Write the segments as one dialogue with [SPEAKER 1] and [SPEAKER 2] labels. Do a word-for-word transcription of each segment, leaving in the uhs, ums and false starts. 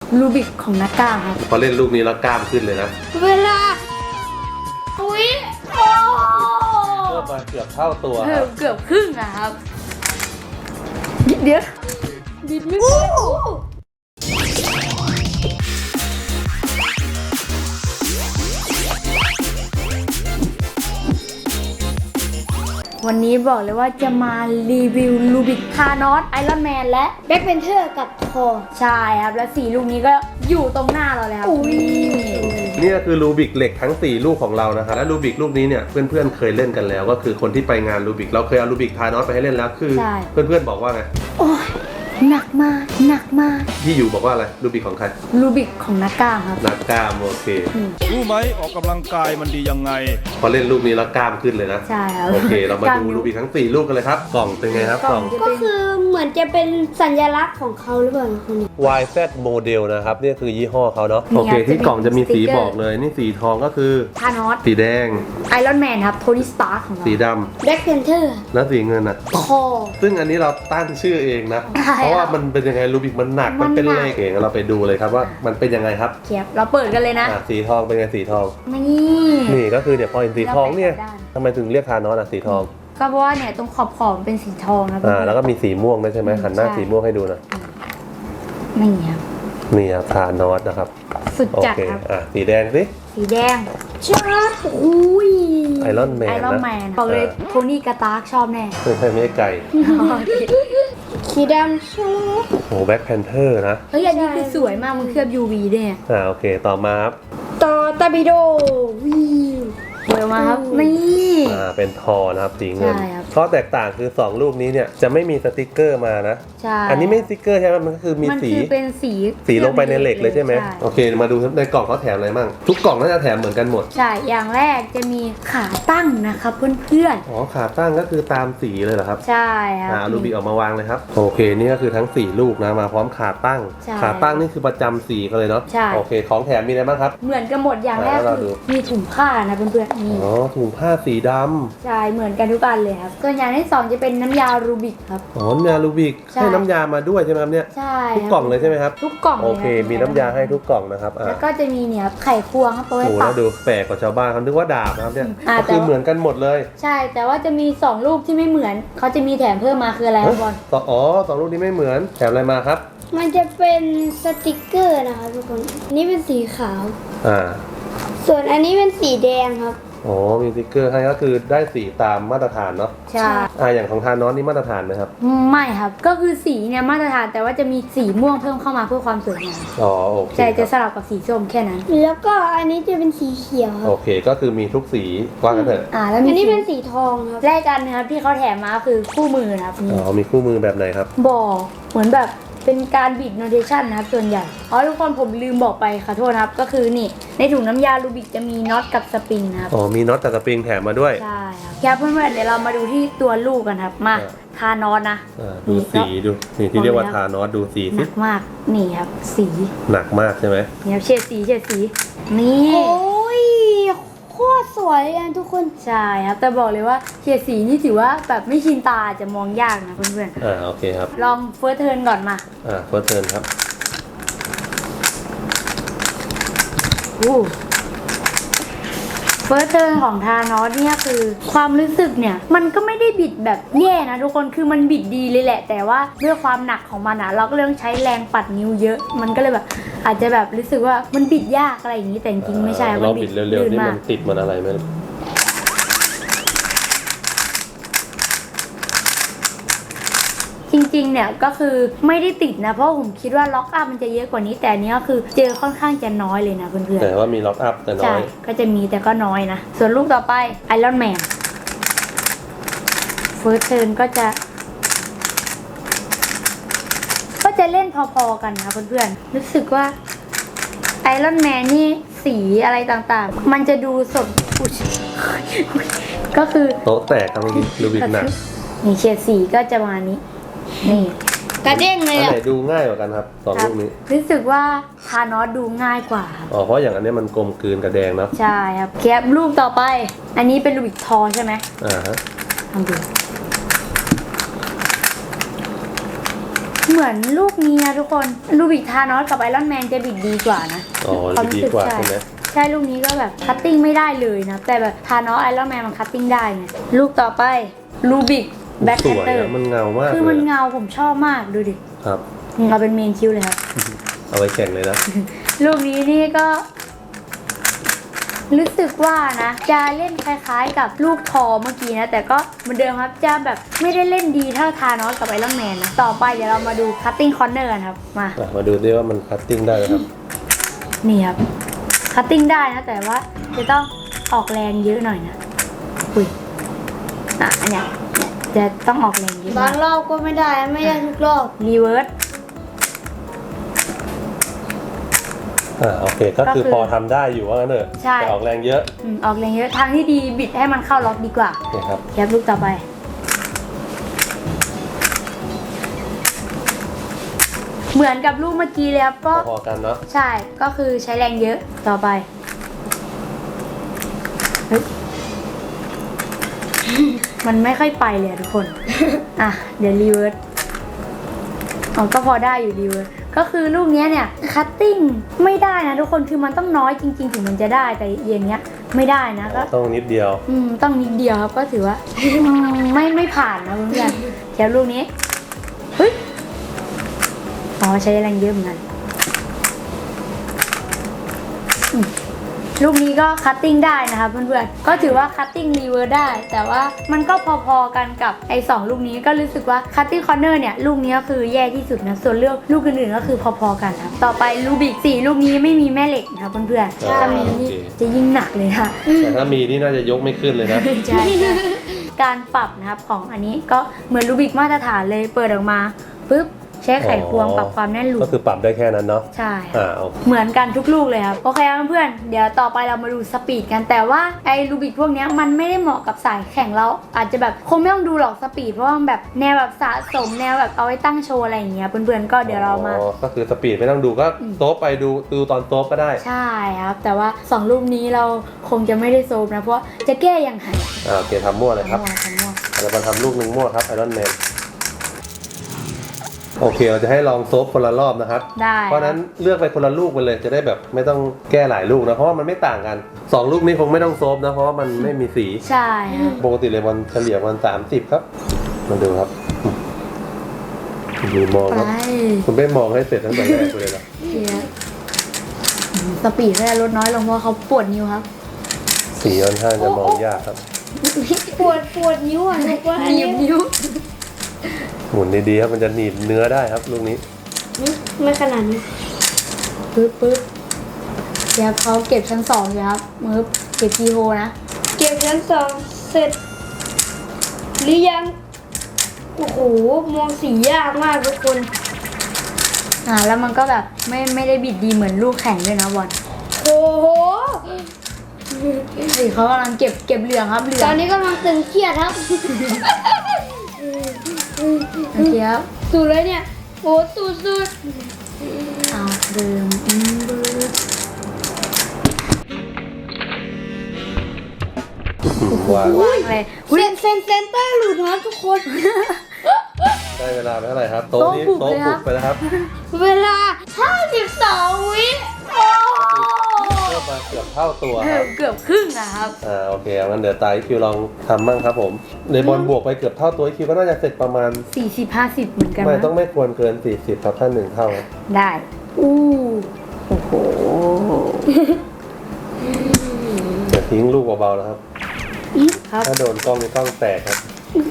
[SPEAKER 1] รูบิกของนักกล้ามครับ
[SPEAKER 2] พอเล่นลูกนี้แล้วกล้ามขึ้นเลยนะ
[SPEAKER 1] เวลาอุ้ยโอ้
[SPEAKER 2] เพิ่มมาเกือบเท่าตัวค
[SPEAKER 1] เกื
[SPEAKER 2] รั
[SPEAKER 1] อบบ เกือบครึ่งอะครับเดี๋ยวบิดไม่พอวันนี้บอกเลยว่าจะมารีวิวลูบิกธานอสไอรอนแมนและแบ็คเพนเทอร์กับทอร์ใช่ครับและสี่ลูกนี้ก็อยู่ตรงหน้าเราเลยครับ
[SPEAKER 2] นี่ก็คือรูบิกเหล็กทั้งสี่ลูกของเรานะครับและรูบิกลูกนี้เนี่ยเพื่อนๆเคยเล่นกันแล้วก็คือคนที่ไปงานรูบิกเราเคยเอารูบิกธานอสไปให้เล่นแล้วคือเพื่อนๆบอกว่าไง
[SPEAKER 1] โอ้ยหนักมากหนักมาก
[SPEAKER 2] ที่อยู่บอกว่าอะไรรูบิกของใคร
[SPEAKER 1] รูบิกของนักกล้ามครับ
[SPEAKER 2] นักกล้ามโอเค
[SPEAKER 3] รู้ไหมออกกำลังกายมันดียังไง
[SPEAKER 2] พอเล่นลูกนี้แล้วกล้ามขึ้นเลยนะ
[SPEAKER 1] ใช่ครับ
[SPEAKER 2] โอเคเรามาดูรูบิกทั้งสี่ลูกกันเลยครับกล่องเป็นไงครับกล่อง
[SPEAKER 4] ก็คือเหมือนจะเป็นสัญลักษณ์ของเขาหรือเปล่าคนนี้
[SPEAKER 2] วาย แซด โมเดลนะครับนี่คือยี่ห้อเขาเนาะโอเคที่กล่องจะมีสีบอกเลยนี่สีทองก็คือ
[SPEAKER 1] ธานอส
[SPEAKER 2] สีแดง
[SPEAKER 1] ไอรอนแมนครับโทนี่สตาร์ของเรา
[SPEAKER 2] สีด
[SPEAKER 4] ำแบ็คเพนเทอร์
[SPEAKER 2] แล้วสีเงินอ่ะ
[SPEAKER 1] ทอ
[SPEAKER 2] ซึ่งอันนี้เราตั้งชื่อเองนะเพราะว่ามันเป็นยังไงรูบิกมันหนักมันเป็นเหล็กเองเราไปดูเลยครับว่ามันเป็นยังไงครับ
[SPEAKER 1] เทียบเราเปิดกันเลยนะ
[SPEAKER 2] สีทองเป็นไงสีทอง
[SPEAKER 1] นี่
[SPEAKER 2] นี่ก็คือเนี่ยพอเห็นสีทองเนี่ยทำไมถึงเรียกธานอสอ่ะสีทอง
[SPEAKER 1] ก็เพราะว่าเนี่ยตรงขอบขอบเป็นสีทองนะ
[SPEAKER 2] อ่าแล้วก็มีสีม่วงด้วยใช่ไหมหันหน้าสีม่วงให้ดูนะ
[SPEAKER 1] นี่ครับ
[SPEAKER 2] นี่ครับธานอสนะครับ
[SPEAKER 1] สุดจัดครับ
[SPEAKER 2] อ่ะสีแดงสิ
[SPEAKER 1] สีแดงชอบอุ้ย
[SPEAKER 2] ไอรอนแมน
[SPEAKER 1] ไอรอนแมนบอกเลยโทนี่กาตาร์กชอบแน่
[SPEAKER 2] ไม่ใช่ไก่
[SPEAKER 4] สีดำชอบ
[SPEAKER 2] โอ้แบ็คแพนเทอร์นะ
[SPEAKER 1] เฮ้ยอันนี้คือสวยมากมันเคลือบ ยู วี ด้วย
[SPEAKER 2] อ่าโอเคต่อมาครับ
[SPEAKER 4] ต่อตาบิโดวิว
[SPEAKER 1] เปิดมาครับนี่
[SPEAKER 2] อ่าเป็นทอนะครับสีเงินข้อแตกต่างคือสองรูปนี้เนี่ยจะไม่มีสติกเกอร์มานะ
[SPEAKER 1] ใช่
[SPEAKER 2] อันนี้ไม่สติกเกอร์ใช่ไหมมันก็คือมีสี
[SPEAKER 1] มันคือเป็นสี
[SPEAKER 2] สีลงไปในเหล็กเลยใช่ไหมโอเคมาดูในกล่องเขาแถมอะไรบ้างทุกกล่องน่าจะแถมเหมือนกันหมด
[SPEAKER 1] ใช่อย่างแรกจะมีขาตั้งนะครับเพื่อน
[SPEAKER 2] ๆอ๋อขาตั้งก็คือตามสีเลยเหรอครับ
[SPEAKER 1] ใช่ครับ
[SPEAKER 2] อ่ารูบิกออกมาวางเลยครับโอเคนี่ก็คือทั้งสี่ลูกนะมาพร้อมขาตั้งขาตั้งนี่คือประจำสีกันเลยเนาะโอเคของแถมมีอะไรบ้างครับ
[SPEAKER 1] เหมือนกันหมดอย่างแรกคือมีถุงผ้านะเพื่อนๆนี่
[SPEAKER 2] อ๋อถุงผ้าสีดำ
[SPEAKER 1] ใช่เหมือนกันทุกอันเลยครับส่วนอย่างที่สองจะเป็นน้ำยารูบิกครับ
[SPEAKER 2] อ๋อน้ำยารูบิกให้น้ำยามาด้วยใช่ไหมครับเนี่ย
[SPEAKER 1] ใช่
[SPEAKER 2] ทุกกล่องเลยใช่ไหมครับ
[SPEAKER 1] ทุกกล่อง
[SPEAKER 2] โอเคมีน้ำยาให้ทุกกล่องนะครับ
[SPEAKER 1] แล้วก็จะมีเนี่ยไข่ควงครับเอาไว้
[SPEAKER 2] ปักดูแปลกกว่าชาวบ้านเขาคิดว่าดาบนะครับเนี่ยก็คือเหมือนกันหมดเลย
[SPEAKER 1] ใช่แต่ว่าจะมีสองรูปที่ไม่เหมือนเขาจะมีแถมเพิ่มมาคืออะไรครับบอล
[SPEAKER 2] อ๋อสองรูปนี้ไม่เหมือนแถมอะไรมาครับ
[SPEAKER 4] มันจะเป็นสติกเกอร์นะคะทุกคนนี่เป็นสีขาว
[SPEAKER 2] อ่า
[SPEAKER 4] ส่วนอันนี้เป็นสีแดงครับ
[SPEAKER 2] อ๋อมีสติ๊กเกอร์ให้ก็คือได้สีตามมาตรฐานเนาะ
[SPEAKER 1] ใช่
[SPEAKER 2] อ่าอย่างของทานอสนี่มาตรฐานไหมครับ
[SPEAKER 1] ไม่ครับก็คือสีเนี่ยมาตรฐานแต่ว่าจะมีสีม่วงเพิ่มเข้ามาเพื่อความสวยงาม
[SPEAKER 2] อ๋อโอเค
[SPEAKER 1] ใช่จะสลับกับสีส้มแค่นั้น
[SPEAKER 4] แล้วก็อันนี้จะเป็นสีเขียว
[SPEAKER 2] โอเคก็คือมีทุกสีว่ากันเถอะ
[SPEAKER 1] อ่าแล้ว
[SPEAKER 4] อันนี้เป็นสีทองครับ
[SPEAKER 1] แรกกันนะครับที่เขาแถมมาคือคู่มือนะครับ
[SPEAKER 2] อ๋อมีคู่มือแบบไหนครับ
[SPEAKER 1] บอกเหมือนแบบเป็นการบิดโนเทชันนะครับส่วนใหญ่อ๋อทุกคนผมลืมบอกไปขอโทษนะครับก็คือนี่ในถุงน้ำยารูบิกจะมีน็อตกับสปริงนะครับ
[SPEAKER 2] อ๋อมีน็อตกับสปริงแถมมาด้วย
[SPEAKER 1] ใช่ครับเพื่อนๆเดี๋ยวเรามาดูที่ตัวลูกกันครับมาทานอสนะ
[SPEAKER 2] ดูสีดูนี่ที่เรียกว่าทานอสดูสี
[SPEAKER 1] หนักมากนี่ครับสี
[SPEAKER 2] หนักมากใช่ไหม
[SPEAKER 1] นี่ครับเฉดสีเฉดสีนี่
[SPEAKER 4] โอ้ยโคตรสวยเลยทุกคน
[SPEAKER 1] ใช่ครับแต่บอกเลยว่าเฉดสีนี่ถือว่าแบบไม่ชินตาจะมองยากนะเพื่อน
[SPEAKER 2] ๆอ่าโอเคครับ
[SPEAKER 1] ลองเฟิร์สเทิร์นก่อนมา
[SPEAKER 2] อ่าเฟิร์สเทิร์นครับ
[SPEAKER 1] อู้เฟิร์สเทิร์นของทานอสเนี่ยคือความรู้สึกเนี่ยมันก็ไม่ได้บิดแบบแย่นะทุกคนคือมันบิดดีเลยแหละแต่ว่าด้วยความหนักของมันอะเราก็ต้องใช้แรงปัดนิ้วเยอะมันก็เลยแบบอาจจะแบบรู้สึกว่ามันบิดยากอะไรอย่างนี้แต่จริงๆไม่ใช่
[SPEAKER 2] เราบิดเร็วๆนี่มันติดมันอะไรไหม
[SPEAKER 1] จริงๆเนี่ยก็คือไม่ได้ติดนะเพราะผมคิดว่าล็อกอัพมันจะเยอะกว่านี้แต่อันนี้ก็คือเจอค่อนข้างจะน้อยเลยนะเพื่อนๆ
[SPEAKER 2] แต่ว่ามีล็อกอัพแต่น้อยใช่
[SPEAKER 1] ก็จะมีแต่ก็น้อยนะส่วนลูกต่อไปไอรอนแมนเฟิร์สเทิร์นก็จะก็จะเล่นพอๆกันนะเพื่อนๆรู้สึกว่าไอรอนแมนนี่สีอะไรต่างๆมันจะดูสดก็คือ
[SPEAKER 2] โต๊ะแตกครับเมื่อกี้ลูบิกหนัก
[SPEAKER 1] นี่เฉดสีก็จะมานี้นี่
[SPEAKER 4] กระเด้งเลย
[SPEAKER 2] อ่ะอันไหนดูง่ายกว่ากันครับสองลูกนี้
[SPEAKER 1] รู้สึกว่าทานอสดูง่ายกว่า
[SPEAKER 2] อ๋อเพราะอย่างอันนี้มันกลมกลืนกับแดงเนาะ
[SPEAKER 1] ใช่ครับแคปรูปต่อไปอันนี้เป็นลูบิกทอใช่ไหม
[SPEAKER 2] อ่าฮะ
[SPEAKER 1] ทำดูเหเหมือนลูกนี้นะทุกคนลูบิกธานอสกับไอรอนแมนจะบิดดีกว่านะ
[SPEAKER 2] อ๋อ
[SPEAKER 1] ความ
[SPEAKER 2] ดี
[SPEAKER 1] รู้สึก
[SPEAKER 2] กว่า
[SPEAKER 1] ใช่
[SPEAKER 2] ใช่ไหม
[SPEAKER 1] ใช่ลูกนี้ก็แบบคัตติ้งไม่ได้เลยนะแต่แบบธานอสไอรอนแมนมันคัตติ้งได้ไงลูกต่อไปลูบิกแบ็ค
[SPEAKER 2] ส
[SPEAKER 1] แพน
[SPEAKER 2] วย
[SPEAKER 1] เตอร์
[SPEAKER 2] อะมันเงามาก
[SPEAKER 1] คือ
[SPEAKER 2] เล
[SPEAKER 1] มัน
[SPEAKER 2] ย
[SPEAKER 1] เงาผมชอบมากดูดิ
[SPEAKER 2] ครับ
[SPEAKER 1] เอาเป็นเมนคิวเลยครับ
[SPEAKER 2] เอาไว้แข่งเลยนะ
[SPEAKER 1] ลูกนี้นี่ก็ รู้สึกว่านะจะเล่นคล้ายๆกับลูกทอเมื่อกี้นะแต่ก็เหมือนเดิมครับจะแบบไม่ได้เล่นดีเท่าธานอสกับไอรอนแมนนะต่อไปเดี๋ยวเรามาดูคัตติ้งคอร์เนอร์กันครับมา
[SPEAKER 2] อ่ะมาดูดิว่ามันคัตติ้งได้ไหมครับ
[SPEAKER 1] นี่ครับคัตติ้งได้นะแต่ว่าจะต้องออกแรงเยอะหน่อยนะอุ้ยอ่ะอันเนี้ยจะต้องออกแรงเยอะ
[SPEAKER 4] บางรอบก็ไม่ได้ไม่ได้ทุกรอบ
[SPEAKER 1] รีเวิร์ส
[SPEAKER 2] อ่าโอเคก็คือ
[SPEAKER 1] ก็คือ
[SPEAKER 2] พอทำได้อยู่ว่างั้นเถอะ
[SPEAKER 1] ใช่
[SPEAKER 2] แต่ออกแรงเยอะ
[SPEAKER 1] อืมออกแรงเยอะทางที่ดีบิดให้มันเข้าล็อกดีกว่า
[SPEAKER 2] นี่ครับ
[SPEAKER 1] แคปลูกต่อไป เหมือนกับลูกเมื่อกี้เลยครับก็
[SPEAKER 2] พอๆกันเนาะ
[SPEAKER 1] ใช่ก็คือใช้แรงเยอะต่อไปเฮ้ย มันไม่ค่อยไปเลยอะทุกคน อ่ะ เดี๋ยวรีเวิร์สอ๋อก็พอได้อยู่รีเวิร์สก็คือลูกเนี้ยเนี่ยคัตติ้งไม่ได้นะทุกคนคือมันต้องน้อยจริงๆถึงมันจะได้แต่เย็นเนี้ยไม่ได้นะก็
[SPEAKER 2] ต้องนิดเดียว
[SPEAKER 1] อืมต้องนิดเดียวครับก็ถือว่า ไม่ไม่ผ่านนะเพื่อนๆแค่ลูกนี้เฮ้ยอ๋อใช้แรงเยอะเหมือนกันอืมลูกนี้ก็คัตติ้งได้นะคะเพื่อนๆก็ถือว่าคัตติ้งรีเวิร์สได้ แต่ว่ามันก็พอๆกันกับไอ้สองลูกนี้ก็รู้สึกว่าคัตติ้งคอร์เนอร์เนี่ยลูกนี้ก็คือแย่ที่สุดนะส่วนเรื่องลูกอื่นๆก็คือพอๆกันครับต่อไปลูบิกสี่ลูกนี้ไม่มีแม่เหล็กนะคะเพื่อนๆ
[SPEAKER 2] ใช่
[SPEAKER 1] ถ้ามีนี่จะยิ่งหนักเลยค่ะ
[SPEAKER 2] แต่ถ้ามีนี่น่าจะยกไม่ขึ้นเลยนะ
[SPEAKER 1] ใช่ค่ะการปรับนะครับของอันนี้ก็เหมือนรูบิกมาตรฐานเลยเปิดออกมาปุ๊บใช้ไขควง
[SPEAKER 2] อ๋อ
[SPEAKER 1] ปรับความแน่นหลุ
[SPEAKER 2] ก็
[SPEAKER 1] ม
[SPEAKER 2] คือปรับได้แค่นั้นเนาะ
[SPEAKER 1] ใช่
[SPEAKER 2] อ่าโอเค
[SPEAKER 1] เหมือนกันทุกลูกเลยครับโอเคครับเพื่อนๆเดี๋ยวต่อไปเรามาดูสปีดกันแต่ว่าไอ้รูบิกพวกเนี้ยมันไม่ได้เหมาะกับสายแข่งเราอาจจะแบบคงไม่ต้องดูหรอกสปีดเพราะว่ามันแบบแนวแบบสะสมแนวแบบเอาไว้ตั้งโชว์อะไรอย่างเงี้ยเพื่อนๆก็เดี๋ยวเรามา
[SPEAKER 2] อ๋อก็คือสปีดไม่ต้องดูก็
[SPEAKER 1] อืม
[SPEAKER 2] โซฟไปดูดูตอนโซฟก็ได้
[SPEAKER 1] ใช่ครับแต่ว่าสองลูกนี้เราคงจะไม่ได้โซมนะเพราะจะแก้ยังไง
[SPEAKER 2] อ่าโอเคทำมั่วเลยครับ
[SPEAKER 1] ทำมั่วทำมั่ว
[SPEAKER 2] เรามาทำลูกหนึ่งมั่วครับไอรอนแมนโอเคเราจะให้ลองโซฟคนละรอบนะครับ
[SPEAKER 1] ได้
[SPEAKER 2] เพราะฉะนั้นเลือกไปคนละลูกไปเลยจะได้แบบไม่ต้องแก้หลายลูกนะเพราะว่ามันไม่ต่างกันสองลูกนี้คงไม่ต้องโซฟนะเพราะว่ามันไม่มีสี
[SPEAKER 1] ใช่ครับ
[SPEAKER 2] ปกติเลยมันเฉลี่ยมันสามสิบครับมาดูครับดูมองครับ
[SPEAKER 1] ไป
[SPEAKER 2] คุณไม่มองให้เสร็จตั้งแต่แรกเลยเหรอ
[SPEAKER 1] เชียร์สปีดก็จะลดน้อยลงเพราะเขาปวดนิ้วครับ
[SPEAKER 2] สีค่อนข้างจะมองยากครับ
[SPEAKER 4] ปวดปวดนิ้วอ่ะทุกคนอัน
[SPEAKER 1] หนี
[SPEAKER 4] นี้
[SPEAKER 1] บนิ้ว
[SPEAKER 2] หมุนดีๆครับมันจะหนีบเนื้อได้ครับลูกนี้
[SPEAKER 4] ไม่ขนาดนี้
[SPEAKER 1] ปึ๊บปึ๊บเดี๋ยวเขาเก็บชั้นสองอยู่ครับมือเก็บกีโฮนะ
[SPEAKER 4] เก็บชั้นสองเสร็จ หรือยัง โอ้โห มองสียากมากทุกคน
[SPEAKER 1] อ่าแล้วมันก็แบบไม่ไม่ได้บิดดีเหมือนลูกแข่งด้วยนะบอล
[SPEAKER 4] โอ้โห
[SPEAKER 1] สิเขากำลังเก็บเก็บเหลืองครับเหลื
[SPEAKER 4] ต
[SPEAKER 1] อ
[SPEAKER 4] อง นนี้กำลังตึงเครียดครับ
[SPEAKER 1] โอเคครับ
[SPEAKER 4] สุดเลยเนี่ย โอ้สุดสุด
[SPEAKER 1] เอาเดิมอืมเบิร์ด
[SPEAKER 2] ว่า
[SPEAKER 1] ว่างเลย
[SPEAKER 4] เซนเซนเซนเตอร์หลุดนะทุกคน
[SPEAKER 2] ได้เวลาไปเท่าไหร่ครับโต๊ะนี้โต๊ะบุกไปแล้วครับ
[SPEAKER 4] เวลาห้าสิบสองวิโอ้
[SPEAKER 2] เพิ่มมาเกือบเท่าตัว
[SPEAKER 1] เอ
[SPEAKER 2] ค
[SPEAKER 1] อ
[SPEAKER 2] รับ
[SPEAKER 1] เกือบครึ่งอะครับ
[SPEAKER 2] อ่าโอเคงั้นเดี๋ยวตายคิวลองทำบ้างครับผมในบอลบวกไปเกือบเท่าตัวคิวก็น่าจะเสร็จประมาณ
[SPEAKER 1] สี่สิบห้าสิบเหมือนกัน
[SPEAKER 2] ไม่
[SPEAKER 1] นะ
[SPEAKER 2] ต้องไม่ควรเกินสี่สิบครับถ้าหนึ่งเท่า
[SPEAKER 1] ได้ อู้โอ้โห
[SPEAKER 2] อย่าทิ้งลูกเบาๆนะครับ
[SPEAKER 1] ครับ
[SPEAKER 2] ถ้าโดนกล้องนี่ต้องแตกครับ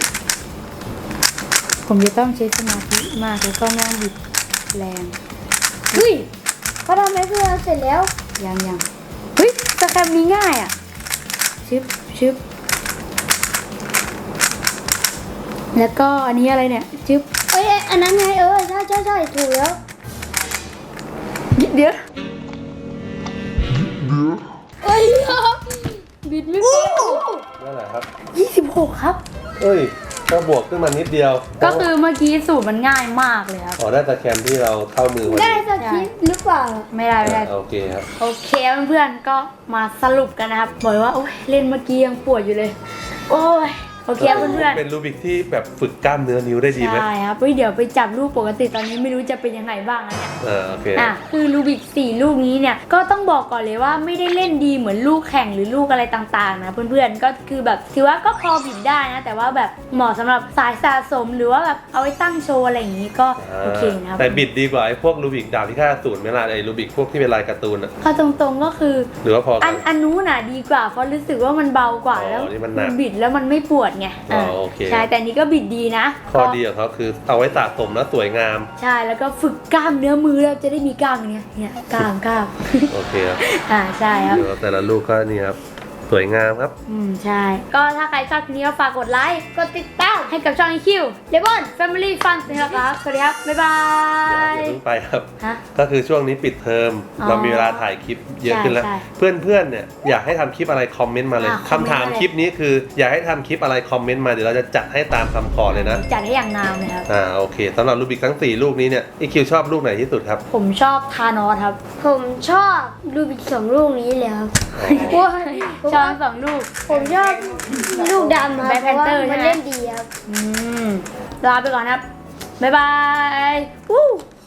[SPEAKER 1] ผมจะต้องใช้สมาธิมากแล้วก็ไม่ต้องบิดแรง
[SPEAKER 4] เฮ้ยเขาทำให้เพื่อนเสร็จแล้ว
[SPEAKER 1] ยังยังเฮ้ยสแครมนี้ง่ายอ่ะ ชึบชึบแล้วก็อันนี้อะไรเนี่ย ชึบ
[SPEAKER 4] เอ้ยอันนั้นไงเออใช่ใช่ใช่ถูกแล้ว
[SPEAKER 1] เดี๋ยว
[SPEAKER 4] เอ้ยบิดไม่เป็น
[SPEAKER 2] นั่นแหละครับ
[SPEAKER 1] ยี่สิบหกครับ
[SPEAKER 2] เอ้ยก็บวกขึ้นมานิดเดียว
[SPEAKER 1] ก็คือเมื่อกี้สูตรมันง่ายมากเลยครับ
[SPEAKER 2] อ๋อได้ตะแคมที่เราเข้ามือพอ
[SPEAKER 4] ได้
[SPEAKER 2] ดี
[SPEAKER 4] สักทีหรือเปล่า
[SPEAKER 1] ไม่ได้ไม่ได้
[SPEAKER 2] อ่าโอเคครับ
[SPEAKER 1] โอเคเพื่อนๆก็มาสรุปกันนะครับบอกเลยว่าโอ้ยเล่นเมื่อกี้ยังปวดอยู่เลย โอ้ยโอเคเพื่อนๆ
[SPEAKER 2] เป็นรูบิกที่แบบฝึกกล้ามเนื้อนิ้วได้ดีไหม
[SPEAKER 1] ใช่ครับเฮ้ยเดี๋ยวไปจับลูกปกติตอนนี้ไม่รู้จะเป็นยังไงบ้างนะเนี่ย
[SPEAKER 2] เออโอเค
[SPEAKER 1] อ่ะคือรูบิกสี่ลูกนี้เนี่ยก็ต้องบอกก่อนเลยว่าไม่ได้เล่นดีเหมือนลูกแข่งหรือลูกอะไรต่างๆนะเพื่อนๆก็คือแบบถือว่าก็พอบิดได้นะแต่ว่าแบบเหมาะสำหรับสายสะสมหรือว่าแบบเอาไว้ตั้งโชว์อะไรอย่างนี้ก็โอเคนะครับ
[SPEAKER 2] แต่บิดดีกว่าไอ้พวกรูบิกดาบพิฆาตอสูรไหมล่ะไอ้รูบิกพวกที่เป็นลายการ์ตูนอะ
[SPEAKER 1] เอาตรงๆก็คือ
[SPEAKER 2] หรือว่าพอ
[SPEAKER 1] อั
[SPEAKER 2] กัน
[SPEAKER 1] นอันนู้นน่ะดีกว่าเพราะรู้สึกว่ามันเบากว่า
[SPEAKER 2] อ๋อ
[SPEAKER 1] แล้ว
[SPEAKER 2] นี่มันหนัก
[SPEAKER 1] บิดแล้วมันไม่ปวดไง
[SPEAKER 2] อ๋อโอเค
[SPEAKER 1] ใช่แต่นี้ก็บิดดีนะ
[SPEAKER 2] ข้อดีของเขาคือเอาไว้สะสมแล้วสวยงาม
[SPEAKER 1] ใช่แล้วก็ฝึกกล้ามเนื้อมือแล้วจะได้มีกล้ามอย่างเนี้ยเนี่ยกล้ามกล้าม
[SPEAKER 2] โอเคครับ
[SPEAKER 1] อ่าใช่ครับ
[SPEAKER 2] เดี๋ยวแต่ละลูกก็นี่ครับสวยงามครับ
[SPEAKER 1] อืมใช่ ก็ถ้าใครชอบคลิปนี้ก็ฝากกดไลค์ กดติดตามให้กับช่อง อี คิว เลบอน แฟมิลี่ ฟัน นะครับ สวัสดีครับ บ๊ายบา
[SPEAKER 2] อย่าย เพิ่งไปครับ
[SPEAKER 1] ฮะ
[SPEAKER 2] ก็คือช่วงนี้ปิดเทอม
[SPEAKER 1] อ๋อ
[SPEAKER 2] เรามีเวลาถ่ายคลิปเยอะขึ้นแล้ว
[SPEAKER 1] ใช่
[SPEAKER 2] เพื่อนๆเนี่ยอยากให้ทำคลิปอะไรคอมเมนต์มาเลย
[SPEAKER 1] อ่ะ
[SPEAKER 2] คำถาม
[SPEAKER 1] คอมเมนต์มาเลย
[SPEAKER 2] คลิปนี้คืออยากให้ทำคลิปอะไรคอมเมนต์มาเดี๋ยวเราจะจัดให้ตามคำขอเลยนะ
[SPEAKER 1] จัดให้อย่างงามเลยครับ
[SPEAKER 2] อ่าโอเคสำหรับรูบิกทั้งสี่ลูกนี้เนี่ยอีคิวชอบลูกไหนที่สุดครับ
[SPEAKER 1] ผมชอบทานอสครับ
[SPEAKER 4] ผมชอบรูบิกสองลูกนี้เลยครับเพราะว่าผม
[SPEAKER 1] ชอบสองลูก
[SPEAKER 4] ผมชอบลูกดำครับ
[SPEAKER 1] Black
[SPEAKER 4] เพราะว่า
[SPEAKER 1] Panther
[SPEAKER 4] มัน
[SPEAKER 1] ใช่ไหม
[SPEAKER 4] เล่นดีครับ
[SPEAKER 1] อืม ลาไปก่อนครับ บ๊ายบาย วู้